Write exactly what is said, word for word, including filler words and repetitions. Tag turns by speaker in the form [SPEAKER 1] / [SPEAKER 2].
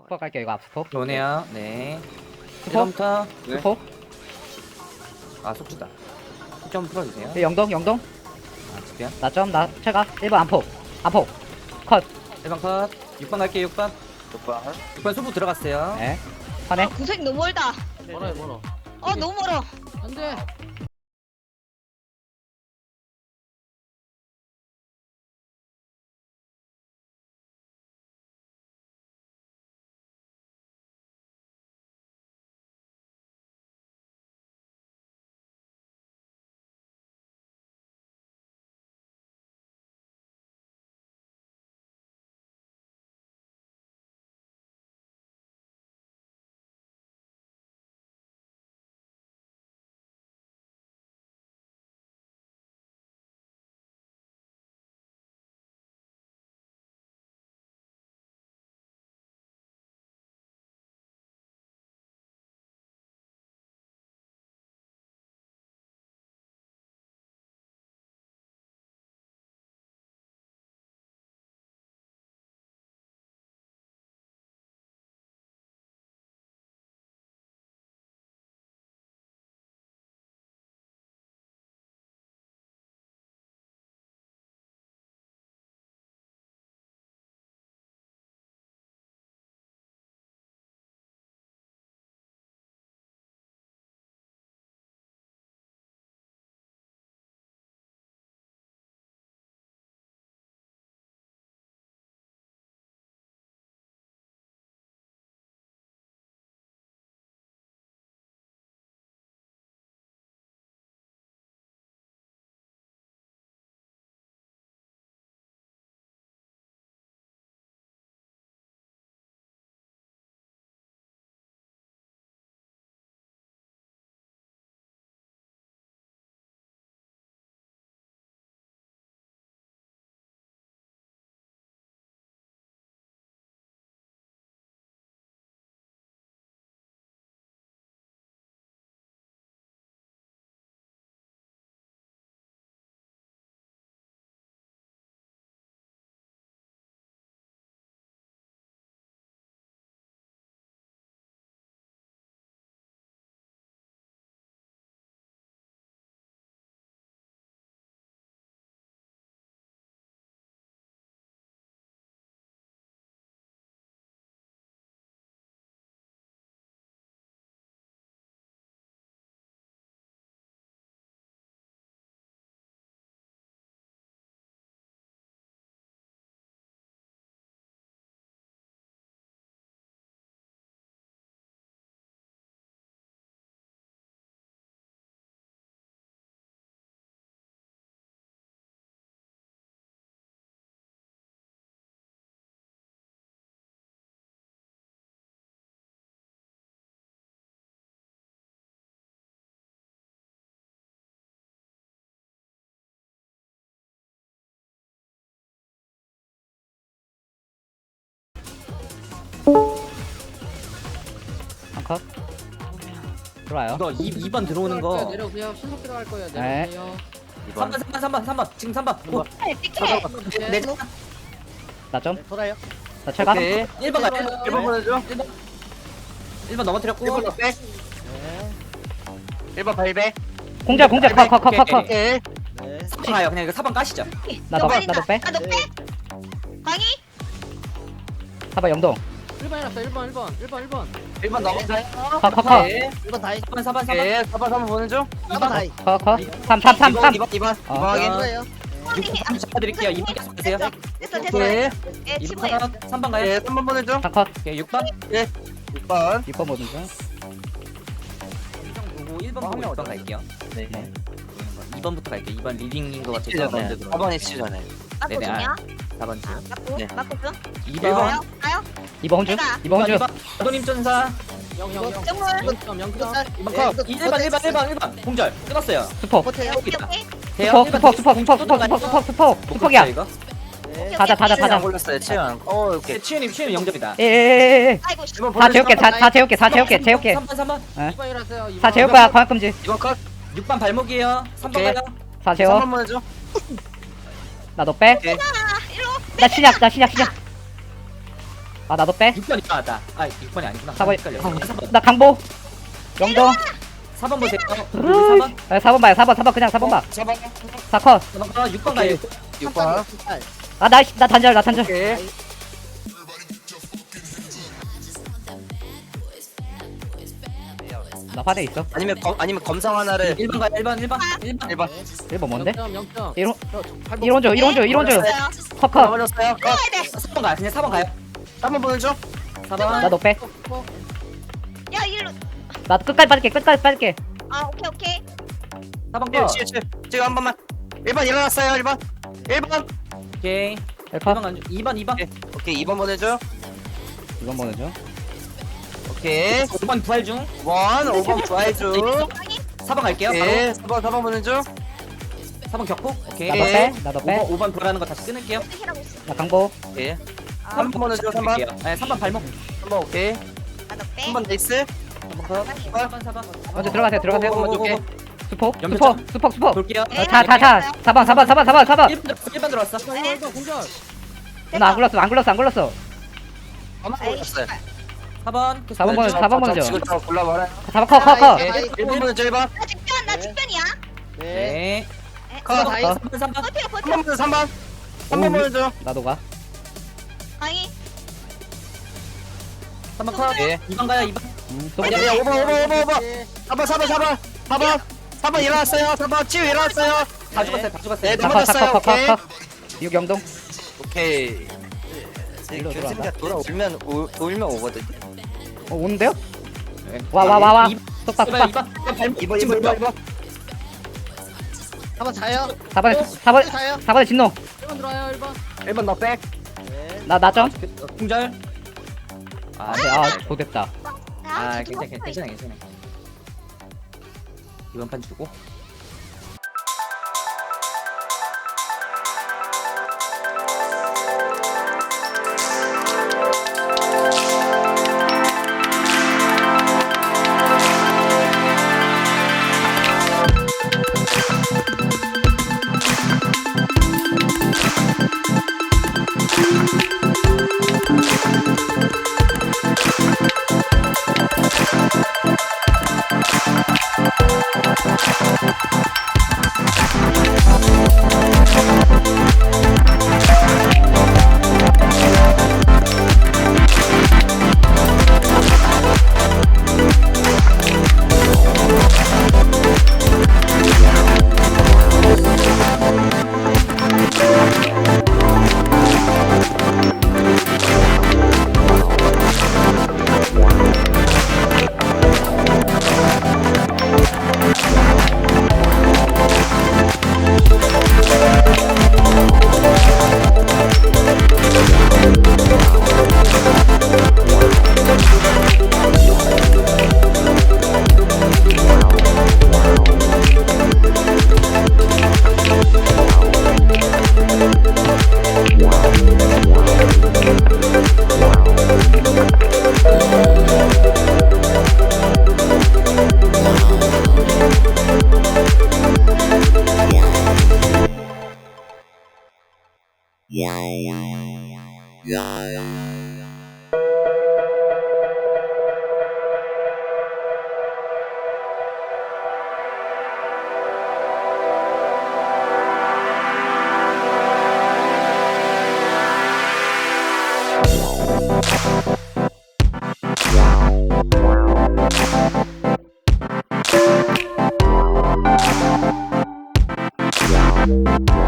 [SPEAKER 1] 스포 갈게요. 이거 앞 스포.
[SPEAKER 2] 오네요. 네.
[SPEAKER 1] 스포.
[SPEAKER 2] 일 번부터.
[SPEAKER 1] 스포.
[SPEAKER 2] 아, 속주다. 좀 풀어주세요.
[SPEAKER 1] 네, 영동 영동.
[SPEAKER 2] 아, 집변.
[SPEAKER 1] 나점 나 체가 일 번 안폭. 안폭. 컷.
[SPEAKER 2] 일 번 컷. 육 번 갈게요, 육 번.
[SPEAKER 3] 육 번.
[SPEAKER 2] 육 번 소부 들어갔어요.
[SPEAKER 1] 네. 화내.
[SPEAKER 4] 아, 구색 너무 멀다.
[SPEAKER 5] 멀어요 멀어.
[SPEAKER 4] 어, 너무 멀어.
[SPEAKER 5] 안돼.
[SPEAKER 1] 한 컷. 들어와요.
[SPEAKER 2] 이거 이, 이 번 들어오는 거.
[SPEAKER 5] 내려오세요. 신속 들어갈 거예요.
[SPEAKER 1] 네.
[SPEAKER 5] 내려오세요.
[SPEAKER 2] 삼 번, 삼 번, 삼 번, 삼 번. 지금 삼 번. 오,
[SPEAKER 4] 네, 띠케.
[SPEAKER 2] 네, 네.
[SPEAKER 1] 나점.
[SPEAKER 3] 돌아요.
[SPEAKER 1] 나 체가.
[SPEAKER 2] 오케이. 일 번 가.
[SPEAKER 3] 일 번 보내줘.
[SPEAKER 2] 일 번. 일 번 넘어뜨렸고.
[SPEAKER 3] 일 번 더 빼. 일 번 발배.
[SPEAKER 1] 공절 공절 컷 컷 컷 컷 컷.
[SPEAKER 3] 오케이.
[SPEAKER 2] 사 번 가요. 그냥 이거 사 번 까시죠.
[SPEAKER 1] 나도 나도 빼.
[SPEAKER 4] 나도 빼. 광희?
[SPEAKER 1] 사번 영동.
[SPEAKER 5] 일 번 해놨어. 일 번 일 번 일 번 일 번.
[SPEAKER 3] 일 번 넘어가요.
[SPEAKER 1] 컷 컷 컷.
[SPEAKER 2] 네.
[SPEAKER 3] 일 번 다이.
[SPEAKER 2] 사 번, 사 번, 사 번.
[SPEAKER 3] 예, 사 번, 삼 번 보내줘. 이 번 다이.
[SPEAKER 1] 컷 컷. 삼 삼 삼 삼.
[SPEAKER 3] 이 번, 이 번.
[SPEAKER 1] 어.
[SPEAKER 3] 이 번 확인. 거예요.
[SPEAKER 2] 육 번 잡아드릴게요. 이 번 계속 보세요.
[SPEAKER 4] 됐어, 됐어.
[SPEAKER 3] 오케이.
[SPEAKER 4] 예,
[SPEAKER 2] 이
[SPEAKER 4] 치부해.
[SPEAKER 2] 번 컷. 삼 번 가요.
[SPEAKER 3] 예, 삼 번 보내줘.
[SPEAKER 1] 한 컷.
[SPEAKER 2] 오케이, 육 번.
[SPEAKER 3] 육 번.
[SPEAKER 1] 육 번 모든 중.
[SPEAKER 2] 보고 일 번 보고 육 번 갈게요.
[SPEAKER 3] 네.
[SPEAKER 2] 이 번부터 갈게요. 이 번 리딩인 것 같아서
[SPEAKER 3] 치잖아요.
[SPEAKER 2] 먼저
[SPEAKER 3] 사
[SPEAKER 2] 들어가요.
[SPEAKER 3] 번이 치잖아요.
[SPEAKER 4] 맞고
[SPEAKER 2] 네네,
[SPEAKER 4] 중이야?
[SPEAKER 2] 사 번 째.
[SPEAKER 4] 아, 맞고,
[SPEAKER 3] 네.
[SPEAKER 4] 맞고 중.
[SPEAKER 2] 이
[SPEAKER 3] 일
[SPEAKER 2] 번.
[SPEAKER 4] 가요? 가요?
[SPEAKER 1] 이번 혼주.
[SPEAKER 4] 내가.
[SPEAKER 1] 이번 혼주.
[SPEAKER 2] 아도님 전사.
[SPEAKER 5] 영영 영.
[SPEAKER 4] 정물.
[SPEAKER 5] 영점 영점.
[SPEAKER 2] 이 번 컷. 일 번, 일 번, 일 번, 일 번. 공절. 끊었어요.
[SPEAKER 1] 스포.
[SPEAKER 4] 오케이, 오케이.
[SPEAKER 2] 돼요?
[SPEAKER 1] 스포 스포 스포 스포 스포 스포 스포 스포 스포기야.
[SPEAKER 2] 이거?
[SPEAKER 1] 다자 다자 다자.
[SPEAKER 3] 골랐어요. 치안. 어, 오케이.
[SPEAKER 2] 치유님, 치유님 영접이다.
[SPEAKER 1] 예예예예.
[SPEAKER 4] 아이고, 씨.
[SPEAKER 1] 다 재울게 다, 다 재울게 다 재울게 재울게.
[SPEAKER 2] 삼 번, 삼 번.
[SPEAKER 5] 이 번 일어나세요. 이
[SPEAKER 1] 다
[SPEAKER 5] 번.
[SPEAKER 1] 재울 거야 광역금지.
[SPEAKER 3] 이 번 컷.
[SPEAKER 2] 육 번 발목이에요. 삼 번
[SPEAKER 3] 오케이.
[SPEAKER 2] 가요.
[SPEAKER 1] 다
[SPEAKER 3] 삼
[SPEAKER 1] 재워.
[SPEAKER 3] 번 보내줘.
[SPEAKER 1] 나도 빼.
[SPEAKER 3] 오케이.
[SPEAKER 4] 아, 일로.
[SPEAKER 1] 나 신약 나 신약 신약. 아 나도 빼.
[SPEAKER 2] 육 번 일어났다. 아 육 번이 아니구나.
[SPEAKER 1] 사 번.
[SPEAKER 2] 헷갈려.
[SPEAKER 1] 아,
[SPEAKER 2] 사 번.
[SPEAKER 1] 나 강보. 영동.
[SPEAKER 2] 사 번 보세요. 사 번.
[SPEAKER 1] 아, 사 번 봐요. 사 번 사 번 그냥 사 번 봐.
[SPEAKER 3] 사 번.
[SPEAKER 1] 사 컷.
[SPEAKER 2] 사 번 가. 육 번 가요.
[SPEAKER 3] 육 번.
[SPEAKER 1] 아 나 나 단절 나 단절.
[SPEAKER 3] 오케이.
[SPEAKER 1] 나 화내 있어.
[SPEAKER 3] 아니면 검 아니면 검상 하나를
[SPEAKER 2] 일 번 가요. 일 번 일 번. 일 번.
[SPEAKER 3] 일 번.
[SPEAKER 1] 일 번 뭔데?
[SPEAKER 5] 영 점 영 점.
[SPEAKER 1] 일원
[SPEAKER 5] 저, 팔 번.
[SPEAKER 1] 일원 줘. 일원 줘. 일원 줘.
[SPEAKER 4] 됐어요.
[SPEAKER 1] 컷 컷.
[SPEAKER 3] 넘어졌어요. 컷.
[SPEAKER 4] 가야 돼.
[SPEAKER 2] 사 번 가요. 그냥 사 번 가요.
[SPEAKER 3] 사 번 보내줘.
[SPEAKER 2] 사 번.
[SPEAKER 1] 나 너 빼.
[SPEAKER 5] 어,
[SPEAKER 4] 야 일로.
[SPEAKER 1] 나 끝까지 빠질게. 끝까지 빠질게.
[SPEAKER 4] 아 오케이 오케이.
[SPEAKER 2] 사 번
[SPEAKER 3] 칠,
[SPEAKER 2] 거.
[SPEAKER 3] 칠, 칠. 지금 한 번만. 일 번 일어났어요. 일 번. 일 번.
[SPEAKER 2] 오케이.
[SPEAKER 1] 일
[SPEAKER 2] 이
[SPEAKER 1] 컷.
[SPEAKER 2] 번 간. 이 번 이 번.
[SPEAKER 3] 오케이. 오케이. 이 번 보내줘.
[SPEAKER 1] 이번 보내줘.
[SPEAKER 3] 오케이.
[SPEAKER 2] 오 번 부활 중.
[SPEAKER 3] 원. 오 번 부활 중.
[SPEAKER 4] 강이.
[SPEAKER 2] 사 번 갈게요. 바로.
[SPEAKER 3] 오케이. 사 번 사 번 보내줘.
[SPEAKER 2] 사 번 격포. 오케이.
[SPEAKER 1] 나 너 빼. 나 너
[SPEAKER 2] 오 번
[SPEAKER 1] 빼.
[SPEAKER 2] 오 번 부활하는 거 다시 끊을게요.
[SPEAKER 4] 어떻게라고 있어.
[SPEAKER 1] 나 강보.
[SPEAKER 3] 오케이.
[SPEAKER 4] 아,
[SPEAKER 3] 삼 번 보내줘. 삼 번.
[SPEAKER 2] 네, 삼 번 발목.
[SPEAKER 3] 삼 번 오케이.
[SPEAKER 4] 나도 빼.
[SPEAKER 3] 삼 번 네이스.
[SPEAKER 2] 사 번 사 번.
[SPEAKER 1] 먼저 들어가세요. 들어가세요.
[SPEAKER 2] 오, 오, 오, 오.
[SPEAKER 3] 오케이.
[SPEAKER 1] 수폭.
[SPEAKER 2] 연결
[SPEAKER 1] 수폭.
[SPEAKER 2] 점.
[SPEAKER 1] 수폭. 수폭.
[SPEAKER 2] 볼게요.
[SPEAKER 4] 네.
[SPEAKER 1] 자, 자, 자. 사 번, 사 번, 사 번, 사 번, 사 번.
[SPEAKER 2] 일 번 들어왔어. 일 번 들어왔어.
[SPEAKER 5] 일 번, 일 번, 공절.
[SPEAKER 1] 누나 안 굴렀어. 안 굴렀어. 안 굴렀어.
[SPEAKER 3] 아마
[SPEAKER 4] 에이,
[SPEAKER 3] 보냈어요.
[SPEAKER 2] 사 번.
[SPEAKER 1] 사 번 보내줘. 사 번 보내줘.
[SPEAKER 3] 지금 저 골라봐라.
[SPEAKER 1] 사 번 컷, 컷, 컷.
[SPEAKER 3] 오케이. 일 번 보내줘. 일 번.
[SPEAKER 4] 나 직변 나 직변이야.
[SPEAKER 2] 네.
[SPEAKER 3] 컷.
[SPEAKER 2] 사
[SPEAKER 1] 컷.
[SPEAKER 2] 번 삼 번.
[SPEAKER 4] 버텨
[SPEAKER 3] 삼
[SPEAKER 4] 버텨.
[SPEAKER 3] 번 보내줘. 삼 번. 삼 번 보내줘.
[SPEAKER 1] 나도 가.
[SPEAKER 4] 강이.
[SPEAKER 2] 삼 번 컷.
[SPEAKER 3] 예.
[SPEAKER 2] 이 번 가요. 이 번.
[SPEAKER 1] 음, 또
[SPEAKER 3] 아니 아니 오 번 오 번 오 번 오 번. 사 번 사 번 사 번. 사 번. 사 번 일어났어요. 사 번 치유 일어났어요.
[SPEAKER 2] 다 죽었어요. 다 죽었어요.
[SPEAKER 3] 네,
[SPEAKER 1] 사 컷, 사
[SPEAKER 3] 넘어졌어요.
[SPEAKER 1] 컷, 컷,
[SPEAKER 3] 오케이.
[SPEAKER 1] 컷. 육 영동.
[SPEAKER 3] 오케이.
[SPEAKER 1] 일로
[SPEAKER 3] 교수님가 돌아오면 오, 돌면 오거든.
[SPEAKER 1] 어, 오는데요?
[SPEAKER 2] 네.
[SPEAKER 1] 와, 와, 와, 와.
[SPEAKER 2] 이-
[SPEAKER 1] 속박,
[SPEAKER 2] 이 번,
[SPEAKER 1] 속박.
[SPEAKER 2] 이 번. 이 번 발목.
[SPEAKER 3] 이번 이번 이번 이번.
[SPEAKER 5] 한번 자요.
[SPEAKER 1] 사 번에, 사 번,
[SPEAKER 5] 자요.
[SPEAKER 1] 사 번에 진노.
[SPEAKER 5] 일 번 들어와요. 일 번.
[SPEAKER 3] 일 번 너 백.
[SPEAKER 1] 나, 나 점.
[SPEAKER 2] 어, 공절. 아,
[SPEAKER 1] 네, 아, 좋됐다.
[SPEAKER 2] 아,
[SPEAKER 4] 아
[SPEAKER 2] 괜찮아, 괜찮아, 괜찮아, 괜찮아. 이번 판 주고.
[SPEAKER 6] Yeah.